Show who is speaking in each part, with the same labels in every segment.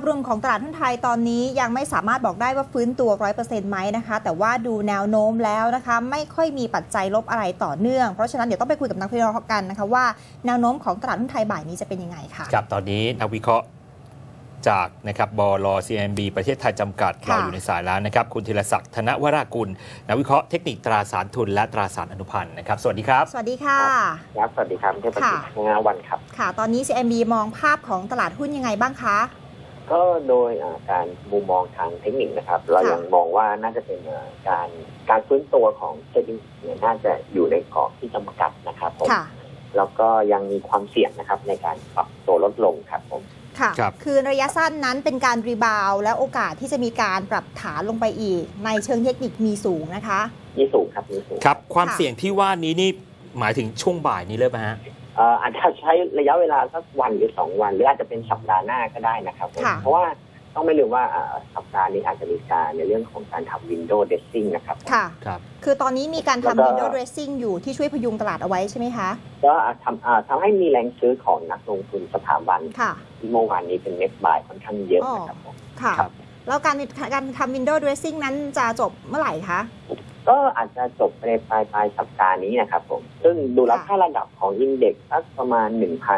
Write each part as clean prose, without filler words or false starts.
Speaker 1: รวมของตลาดหุ้นไทยตอนนี้ยังไม่สามารถบอกได้ว่าฟื้นตัว 100% ไหมนะคะแต่ว่าดูแนวโน้มแล้วนะคะไม่ค่อยมีปัจจัยลบอะไรต่อเนื่องเพราะฉะนั้นเดี๋ยวต้องไปคุยกับนักวิเคราะห์กันนะคะว่าแนวโน้มของตลาดหุ้นไทยบ่ายนี้จะเป็นยังไงค่ะ
Speaker 2: ครับตอนนี้นักวิเคราะห์จากนะครับบล. CIMB ประเทศไทยจำกัดเราอยู่ในสายแล้วนะครับคุณธีรศักดิ์ธนวรากุลนักวิเคราะห์เทคนิคตราสารทุนและตราสารอนุพันธ์นะครับสวัสดีครับ
Speaker 1: สวัสดีค่ะ
Speaker 3: ครับสวัสดีครับเทพประสิทธิ์งาวันครับ
Speaker 1: ค่ะตอนนี้ CIMB มองภาพของตลาดหุ้นยังไงบ้างคะ
Speaker 3: ก็โดยการมุมมองทางเทคนิคนะครับเรายังมองว่าน่าจะเป็นการฟื้นตัวของเซ็นดิ้งเนี่ยน่าจะอยู่ในกรอบที่จำกัดนะครับผมแล้วก็ยังมีความเสี่ยงนะครับในการปรับตัวลดลงครับผม
Speaker 1: ค่ะคือระยะสั้นนั้นเป็นการรีบาวและโอกาสที่จะมีการปรับฐานลงไปอีกในเชิงเทคนิคมีสูงนะคะ
Speaker 3: มีสูงครับมีสูง
Speaker 2: ครับความเสี่ยงที่ว่านี้นี่หมายถึงช่วงบ่ายนี้เลยไหมฮะ
Speaker 3: อาจจะใช้ระยะเวลาสักวันหรือ2 วันหรืออาจจะเป็นสัปดาห์หน้าก็ได้นะครับเพราะว่าต้องไม่ลืมว่าสัปดาห์นี้อาจจะมีการในเรื่องของการทำ window dressing นะครับ
Speaker 1: ค่ะคือตอนนี้มีการทำ window dressing อยู่ที่ช่วยพยุงตลาดเอาไว้ใช่ไหมคะ
Speaker 3: ก็ทำให้มีแรงซื้อของนักลงทุนสถาบันที่เมื่อวานนี้เป็น net buy ค่อนข้างเยอะนะครับผม
Speaker 1: ค่ะแล้วการทำ window dressing นั้นจะจบเมื่อไหร่คะ
Speaker 3: ก็อาจจะจบในปลายสัปดาห์นี้นะครับผมซึ่งดูแล้วถ้าระดับของอินเด็กซ์สักประมาณ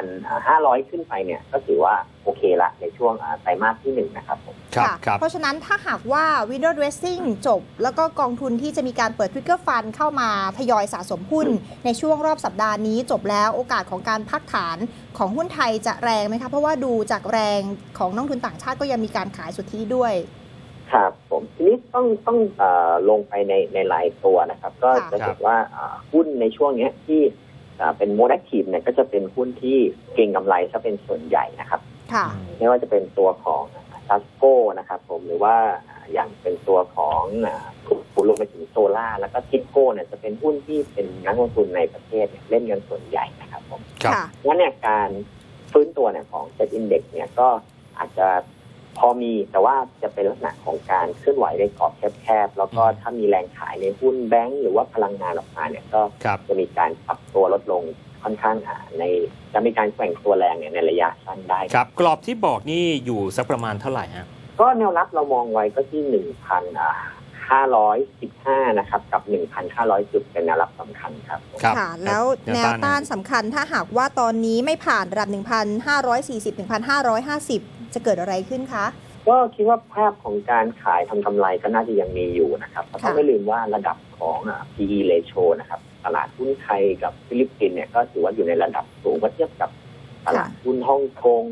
Speaker 3: 1,500 ขึ้นไปเนี่ยก็ถือว่าโอเคละในช่วงไตรมาสที่1นะครับผม
Speaker 1: เพราะฉะนั้นถ้าหากว่า window dressing จบแล้วก็กองทุนที่จะมีการเปิด trigger fund เข้ามาทยอยสะสมหุ้นในช่วงรอบสัปดาห์นี้จบแล้วโอกาสของการพักฐานของหุ้นไทยจะแรงไหมคะเพราะว่าดูจากแรงของนักทุนต่างชาติก็ยังมีการขายสุทธิด้วย
Speaker 3: ครับผมทีนี้ต้องลงไปในรายตัวนะครับก็จะเห็นว่าหุ้นในช่วงนี้ที่เป็นโมดแอคทีฟเนี่ยก็จะเป็นหุ้นที่เก็งกำไรซะเป็นส่วนใหญ่นะครับไม่ว่าจะเป็นตัวของซัสโก้นะครับผมหรือว่าอย่างเป็นตัวของผู้ลงไปถึงโซล่าแล้วก็ทิปโก้เนี่ยจะเป็นหุ้นที่เป็นนักลงทุนในประเทศเล่นกันส่วนใหญ่นะครับผมงั้นเนี่ยการฟื้นตัวเนี่ยของเซ็ตอินเด็กซ์เนี่ยก็อาจจะพอมีแต่ว่าจะเป็นลักษณะของการเคลื่อนไหวในกรอบแคบๆแล้วก็ถ้ามีแรงขายในหุ้นแบงก์หรือว่าพลังงานออกมาเนี่ยก็จะมีการปรับตัวลดลงค่อนข้างจะมีการแกว่งตัวแรงในระยะสั้นได้
Speaker 2: ครับกรอบที่บอกนี่อยู่สักประมาณเท่าไหร่ฮะ
Speaker 3: ก็แนวรับเรามองไว้ก็ที่ 1,515 นะครับกับ 1,500 จุดเป็นแนวรับสำคัญครับ
Speaker 1: ค่ะแล้วแนวต้านสำคัญถ้าหากว่าตอนนี้ไม่ผ่านระดับ 1,540 1,550 จะเกิดอะไรขึ้นคะ
Speaker 3: ก็คิดว่าภาพของการขายทำกำไรก็น่าจะยังมีอยู่นะครับเพราะต้องไม่ลืมว่าระดับของ PE ratio นะครับตลาดหุ้นไทยกับฟิลิปปินส์เนี่ยก็ถือว่าอยู่ในระดับสูงเมื่อเทียบกับตลาดหุ้นฮ่องกง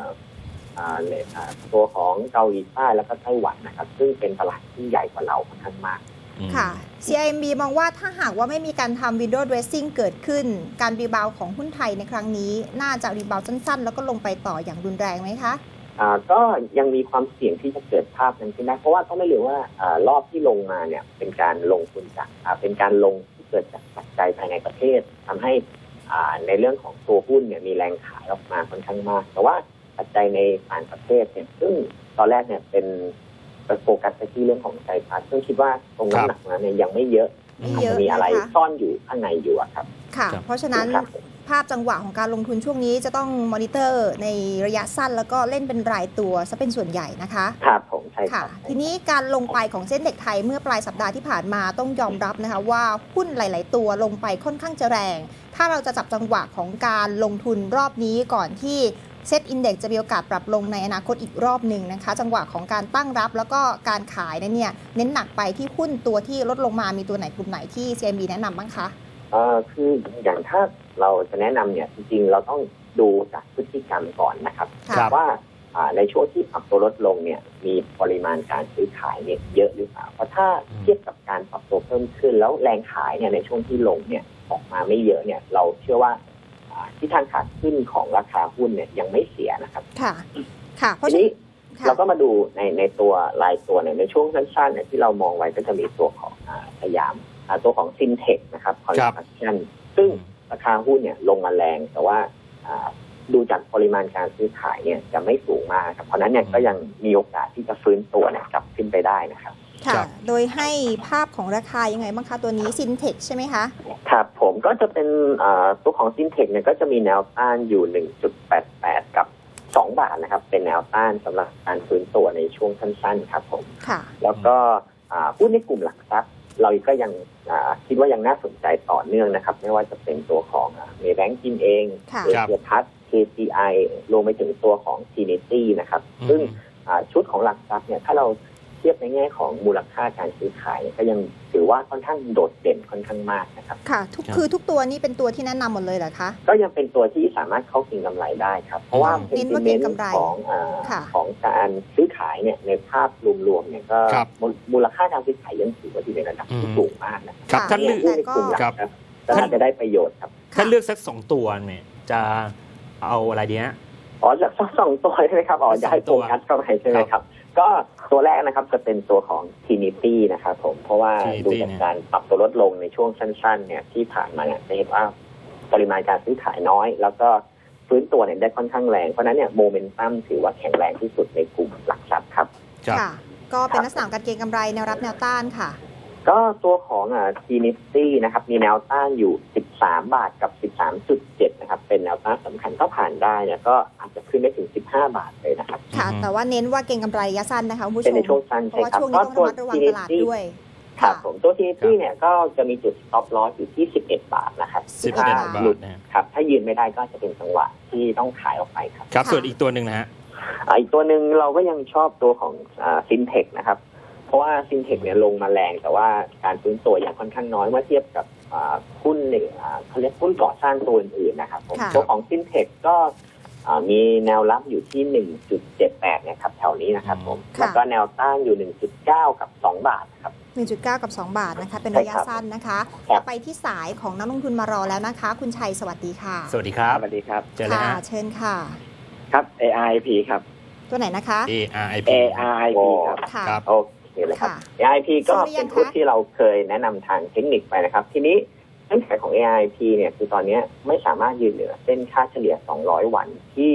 Speaker 3: ตัวของเกาหลีใต้แล้วก็ไต้หวันนะครับซึ่งเป็นตลาดที่ใหญ่กว่าเราค่อนข้างมาก
Speaker 1: ค่ะ CIMB มองว่าถ้าหากว่าไม่มีการทำ window dressing เกิดขึ้นการรีบาวของหุ้นไทยในครั้งนี้น่าจะรีบาวสั้นๆแล้วก็ลงไปต่ออย่างรุนแรงไหมคะ
Speaker 3: ก็ยังมีความเสี่ยงที่จะเกิดภาพนั้นขึ้นได้เพราะว่าต้องไม่ลืมว่ารอบที่ลงมาเนี่ยเป็นการลงทุนจากเป็นการลงที่เกิดจากปัจจัยภายในประเทศทำให้ในเรื่องของตัวหุ้นเนี่ยมีแรงขายออกมาค่อนข้างมากแต่ว่าปัจจัยในต่างประเทศเนี่ยซึ่งตอนแรกเนี่ยเป็นโฟกัสไปที่เรื่องของไตรมาสซึ่งคิดว่าตรงน้ำหนักนั้นเนี่ยยังไม่เยอะอาจจะมีอะไรซ่อนอยู่ข้างในอยู่ครับ
Speaker 1: ค่ะเพราะฉะนั้นภาพจังหวะของการลงทุนช่วงนี้จะต้องมอนิเตอร์ในระยะสั้นแล้วก็เล่นเป็นรายตัวซะเป็นส่วนใหญ่นะคะ
Speaker 3: ครับผมใช่ค่ะ
Speaker 1: ทีนี้การลงไปของเซ็นเด็กไทยเมื่อปลายสัปดาห์ที่ผ่านมาต้องยอมรับนะคะว่าหุ้นหลายๆตัวลงไปค่อนข้างจะแรงถ้าเราจะจับจังหวะของการลงทุนรอบนี้ก่อนที่เซ็ตอินเด็กซ์จะมีโอกาสปรับลงในอนาคตอีกรอบหนึ่งนะคะจังหวะของการตั้งรับแล้วก็การขายนั้นเนี่ยเน้นหนักไปที่หุ้นตัวที่ลดลงมามีตัวไหนกลุ่มไหนที่ CIMB แนะนำบ้างคะ
Speaker 3: คืออย่างถ้าเราจะแนะนำเนี่ยจริงๆเราต้องดูจากพฤติกรรมก่อนนะครับว่าในช่วงที่ปรับตัวลดลงเนี่ยมีปริมาณการซื้อขายเนี่ยเยอะหรือเปล่าเพราะถ้าเทียบกับการปรับตัวเพิ่มขึ้นแล้วแรงขายเนี่ยในช่วงที่ลงเนี่ยออกมาไม่เยอะเนี่ยเราเชื่อว่าที่ทางขาขึ้นของราคาหุ้นเนี่ยยังไม่เสียนะครับ
Speaker 1: ค่ะ
Speaker 3: เพราะฉะนั้นเราก็มาดูในตัวรายตัวในช่วงสั้นๆเนี่ยที่เรามองไว้ก็จะมีตัวของพยายามตัวของซินเทคนะครับคอนซัลชั่นซึ่งราคาหุ้นเนี่ยลงมาแรงแต่ว่าดูจากปริมาณการซื้อขายเนี่ยจะไม่สูงมากครับเพราะนั้นเนี่ยก็ยังมีโอกาสที่จะฟื้นตัวเนี่ยกลับขึ้นไปได้นะครับ
Speaker 1: ค่ะโดยให้ภาพของราคายังไงบ้างคะตัวนี้ซินเทคใช่ไหมคะ
Speaker 3: ครับผมก็จะเป็นตัวของซินเทคเนี่ยก็จะมีแนวต้านอยู่ 1.88 กับ 2 บาทนะครับเป็นแนวต้านสำหรับการฟื้นตัวในช่วงสั้นๆครับผมแล้วก็หุ้นในกลุ่มหลักทรัพย์เราก็ยังคิดว่ายังน่าสนใจต่อเนื่องนะครับไม่ว่าจะเป็นตัวของเมย์แบงก์กินเองเอเชียพัฒน์ KCI รวมไปถึงตัวของ Trinity นะครับซึ่งชุดของหลักทรัพย์เนี่ยถ้าเราเทียบในแง่ของมูลค่าการซื้อขายก็ยังถือว่าค่อนข้างโดดเด่นค่อนข้างมากนะครับ
Speaker 1: ค่ะคือทุกตัวนี่เป็นตัวที่แนะนำหมดเลยเหรอคะ
Speaker 3: ก็ยังเป็นตัวที่สามารถเข้าเก็งกำไรได้ครับเพราะว่าเป็นเน้นของการซื้อขายเนี่ยในภาพรวมๆเนี่ยก็มูลค่าการซื้อขายยังถือว่าอยู่ในระดับที่สูงมากนะครับ
Speaker 2: ท่านเลือก
Speaker 3: กลุ่มหลักครับท่านจะได้ประโยชน์ครับ
Speaker 2: ถ้าเลือกสัก2 ตัวเนี่ยจะเอาอะไรดีฮะ
Speaker 3: จากสัก2 ตัวใช่ไหมครับจะให้โฟกัสเข้าไปใช่ไหมครับก็ตัวแรกนะครับจะเป็นตัวของ Trinity นะครับผมเพราะว่าดูจากการปรับตัวลดลงในช่วงสั้นๆเนี่ยที่ผ่านมาเนี่ยจะเห็นว่าปริมาณการซื้อขายน้อยแล้วก็ฟื้นตัวเนี่ยได้ค่อนข้างแรงเพราะนั้นเนี่ยโมเมนตัมถือว่าแข็งแรงที่สุดในกลุ่มหลักทรัพย์ครับ
Speaker 1: ค่ะก็เป็นลักษณะการเก็งกำไรแนวรับแนวต้านค่ะ
Speaker 3: ก็ตัวของTrinity นะครับมีแนวต้านอยู่13 บาทกับ 13.7 นะครับเป็นแนวต้านสำคัญก็ผ่านได้เนี่ยก็อาจจะขึ้นได้ถึง15 บาทเลยนะครับ
Speaker 1: ค่ะแต่ว่าเน้นว่าเก็งกำไรระยะสั้นนะคะคุณผู้ชม
Speaker 3: เป็นในช่วงสั้นใช่ครับ
Speaker 1: ก็ตัว Trinity
Speaker 3: ด้วยครับผมตัว Trinity เนี่ยก็จะมีจุด stop loss อยู่ที่11 บาทนะครับ
Speaker 2: 11 บาท
Speaker 3: ครับถ้ายืนไม่ได้ก็จะเป็นจังหวะที่ต้องขายออกไปครับ
Speaker 2: ครับส่วนอีกตัวนึงนะฮะ
Speaker 3: อีกตัวนึงเราก็ยังชอบตัวของFintech นะครับเพราะว่าซินเทคเนี่ยลงมาแรงแต่ว่าการฟื้นตัวอย่างค่อนข้างน้อยเมื่อเทียบกับหุ้นเขาเรียกหุ้นก่อสร้างตัวอื่นๆนะครับตัวของซินเทคก็มีแนวรับอยู่ที่ 1.78 นะครับแถวนี้นะครับผมแล้วก็แนวต้านอยู่ 1.9 กับ 2 บาทครับ
Speaker 1: 1.9 กับ 2 บาทนะคะเป็นระยะสั้นนะคะไปที่สายของนักลงทุนมารอแล้วนะคะคุณชัยสวัสดีค่ะ
Speaker 2: สวัสดีครับ
Speaker 3: สวัสดีครับ
Speaker 2: เจอเลยฮะ
Speaker 1: เชิญค่ะ
Speaker 3: ครับ ARIP ครับ
Speaker 1: ตัวไหนนะคะ
Speaker 2: ARIP
Speaker 3: ครับโอเคเลยครับ ARIP ก็เป็นหุ้นที่เราเคยแนะนำทางเทคนิคไปนะครับทีนี้เงื่อนไขของ ARIP เนี่ยคือตอนนี้ไม่สามารถยืนเหนือเส้นค่าเฉลี่ย200 วันที่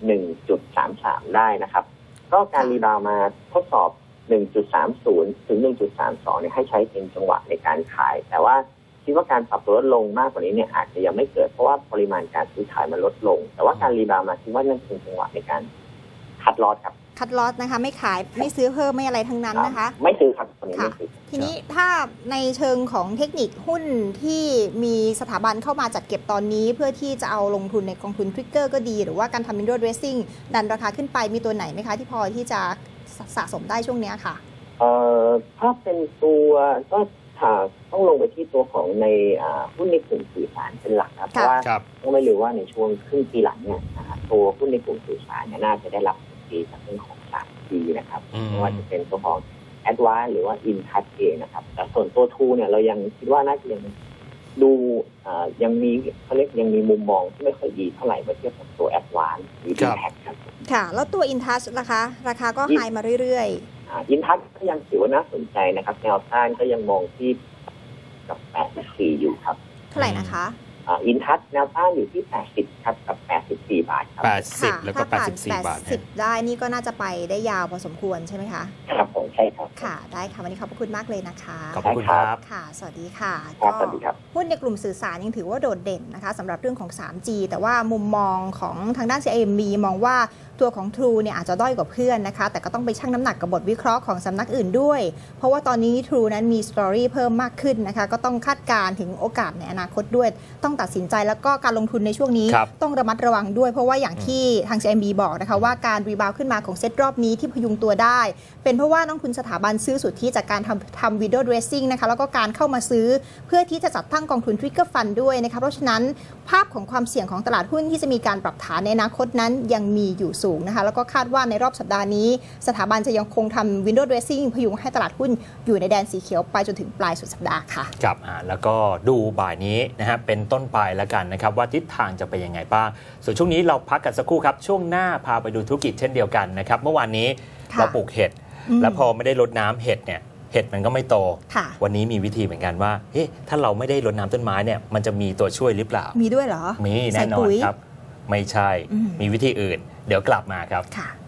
Speaker 3: 1.33 ได้นะครับก็การรีบาวมาทดสอบ 1.30 ถึง 1.32 เนี่ยให้ใช้เป็นจังหวะในการขายแต่ว่าคิดว่าการปรับตัวลดลงมากกว่านี้เนี่ยอาจจะยังไม่เกิดเพราะว่าปริมาณการซื้อขายมันลดลงแต่ว่าการรีบาวมาคิดว่านั่นเป็นจังหวะในการคัดลอสครับ
Speaker 1: คัดลอสนะคะไม่ขายไม่ซื้อเพิ่มไม่อะไรทั้งนั้นนะคะ
Speaker 3: ไม่ซื้อครับตอนนี้ไม่ซื้อ
Speaker 1: ทีนี้ถ้าในเชิงของเทคนิคหุ้นที่มีสถาบันเข้ามาจัดเก็บตอนนี้เพื่อที่จะเอาลงทุนในกองทุนทริกเกอร์ก็ดีหรือว่าการทำ window dressing ดันราคาขึ้นไปมีตัวไหนไหมคะที่พอที่จะสะสมได้ช่วงนี้ค่ะ
Speaker 3: ถ้าเป็นตัวก็ต้องลงไปที่ตัวของในหุ้นในกลุ่มสื่อสารเป็นหลักครับเพราะว่าต้องไม่ลืมว่าในช่วงครึ่งปีหลังเนี่ยตัวหุ้นในกลุ่มสื่อสารเนี่ยน่าจะได้รับดีจากเรื่องของ 3G นะครับไม่ว่าจะเป็นตัวของ Advanced หรือว่า InTouch เองนะครับแต่ส่วนตัว True เนี่ยเรายังคิดว่าน่าจะยังดูยังมีเขาเรียกยังมีมุมมองที่ไม่ค่อยดีเท่าไหร่เมื่อเทียบกับตัว Advanced หรือ InTouch ครับ
Speaker 1: ค่ะแล้วตัว InTouch นะคะราคาก็ไฮมาเรื่อย
Speaker 3: ๆInTouch ก็ยังถือว่าน่าสนใจนะครับแนวต้านก็ยังมองที่กับ84อยู่ครับ
Speaker 1: เท่าไหร่นะคะ
Speaker 3: InTouch แนวต้านอยู่ที่80ครับกับ84 บาทครับ
Speaker 2: 80แล้วก็84 บาท
Speaker 1: 80ได้นี่ก็น่าจะไปได้ยาวพอสมควรใช่ไหมคะ
Speaker 3: ครับผมใช่ครับ
Speaker 1: ค่ะได้ค่ะวันนี้ขอบคุณมากเลยนะคะ
Speaker 2: ขอบคุณครับ
Speaker 1: ค่ะสวัสดีค่ะ
Speaker 3: สวัสดีครับ
Speaker 1: หุ้นในกลุ่มสื่อสารยังถือว่าโดดเด่นนะคะสำหรับเรื่องของ 3G แต่ว่ามุมมองของทางด้าน CIMB มองว่าตัวของ True เนี่ยอาจจะด้อยกว่าเพื่อนนะคะแต่ก็ต้องไปชั่งน้ำหนักกับบทวิเคราะห์ของสำนักอื่นด้วยเพราะว่าตอนนี้ True นั้นมีสตอรี่เพิ่มมากขึ้นนะคะก็ต้องคาดการณ์ถึงโอกาสในอนาคตด้วยต้องตัดสินใจแล้วก็การลงทุนในช่วงนี้ต้องระมัดระวังด้วยเพราะว่าอย่างที่ทาง CIMB บอกนะคะว่าการรีบาวขึ้นมาของเซตรอบนี้ที่พยุงตัวได้เป็นเพราะว่านักทุนสถาบันซื้อสุทธิจากการทำ window dressing นะคะแล้วก็การเข้ามาซื้อเพื่อที่จะจัดตั้งกองทุน trigger fund ด้วยนะคะเพราะฉะนั้นภาพของความเสี่ยงของตลาดหุ้นที่จะมีการปรับฐานในอนาคตนั้นยังมีอยู่สูงนะคะแล้วก็คาดว่าในรอบสัปดาห์นี้สถาบันจะยังคงทำ window dressing พยุงให้ตลาดหุ้นอยู่ในแดนสีเขียวไปจนถึงปลายสุดสัปดาห์ค่ะ
Speaker 2: ครับแล้วก็ดูบ่ายนี้นะฮะเป็นต้นไปแล้วกันนะครับว่าทิศทางจะเป็นยังไงบ้างส่วนช่วงนี้เราพักกันสักครู่ครับช่วงหน้าพาไปดูธุรกิจเช่นเดียวกันนะครับเมื่อวานนี้เราปลูกเห็ดแล้วพอไม่ได้รดน้ำเห็ดเนี่ยเห็ดมันก็ไม่โตวันนี้มีวิธีเหมือนกันว่าเฮ้ถ้าเราไม่ได้รดน้ำต้นไม้เนี่ยมันจะมีตัวช่วยหรือเปล่า
Speaker 1: มีด้วยเหรอ
Speaker 2: มีแน่นอนครับไม่ใช่มีวิธีอื่นเดี๋ยวกลับมาครับ